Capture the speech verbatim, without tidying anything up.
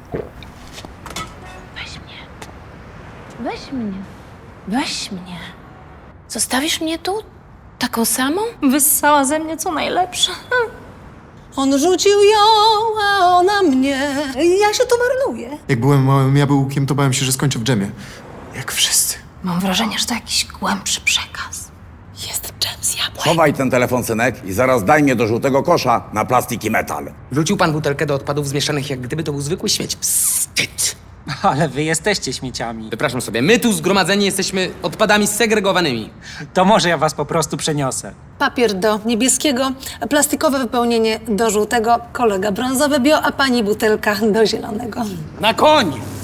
Weź mnie. Weź mnie. Weź mnie. Zostawisz mnie tu? Taką samą? Wyssała ze mnie co najlepsze. On rzucił ją, a ona mnie. Ja się tu marnuję. Jak byłem małym jabłkiem, to bałem się, że skończę w dżemie. Jak wszyscy. Mam wrażenie, że to jakiś głębszy przekaz. Jest dżem z jabłek. Chowaj ten telefon, synek, i zaraz daj mnie do żółtego kosza na plastik i metal. Wrzucił pan butelkę do odpadów zmieszanych, jak gdyby to był zwykły śmieć. Wstyd! Ale wy jesteście śmieciami. Wypraszam sobie, my tu zgromadzeni jesteśmy odpadami segregowanymi. To może ja was po prostu przeniosę. Papier do niebieskiego, plastikowe wypełnienie do żółtego, kolega brązowy bio, a pani butelka do zielonego. Na koń!